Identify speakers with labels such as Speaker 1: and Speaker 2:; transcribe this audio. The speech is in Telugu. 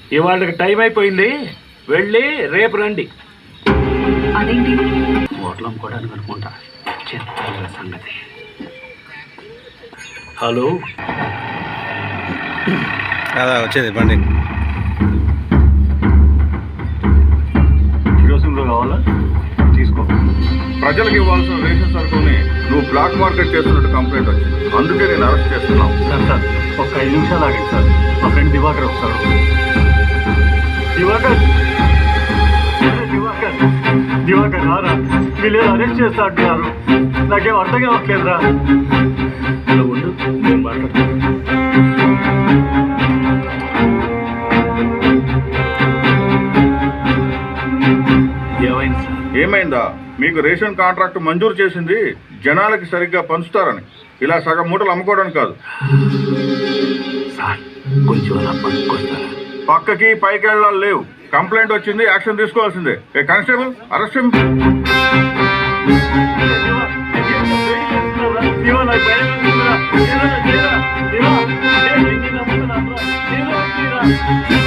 Speaker 1: ఇవాళకి టైం అయిపోయింది, వెళ్ళి రేపు రండి.
Speaker 2: అదేంటి?
Speaker 1: హోటల్ అమ్ముకోవడానికి అనుకుంటా. చెత్త సంగతి. హలో,
Speaker 3: అదా వచ్చేది బండి.
Speaker 1: కిరోసిన్లో కావాలా? తీసుకో.
Speaker 4: ప్రజలకు ఇవ్వాల్సిన రేషన్ సరుకుని నువ్వు బ్లాక్ మార్కెట్ చేస్తున్నట్టు కంప్లైంట్ వచ్చింది, అందుకే నేను అరెస్ట్ చేస్తున్నావు.
Speaker 1: సార్ ఒక 5 నిమిషాలు ఆగండి సార్. మా ఫ్రెండ్ దివాకర్ వస్తారు. దివాకర్ దివాకర్ దివాకర్ రారా, వీళ్ళు అరెస్ట్ చేస్తా అంటున్నారు. నాకేం అర్థం కావట్లేదురా. ఇలా ఉండు, నేను మాట్లాడుతాను. ఏమైంది సార్?
Speaker 4: ఏమైందా? మీకు రేషన్ కాంట్రాక్ట్ మంజూరు చేసింది జనాలకి సరిగ్గా పంచుతారని, ఇలా సగం మూటలు అమ్ముకోవడానికి కాదు.
Speaker 1: సార్ కొంచెం అలా పట్టుకొస్తారా?
Speaker 4: పక్కకి పైకి వెళ్ళాలి లేవు. కంప్లైంట్ వచ్చింది, యాక్షన్ తీసుకోవాల్సిందే. ఏ కానిస్టేబుల్, అరెస్ట్ చేయండి.
Speaker 1: దివా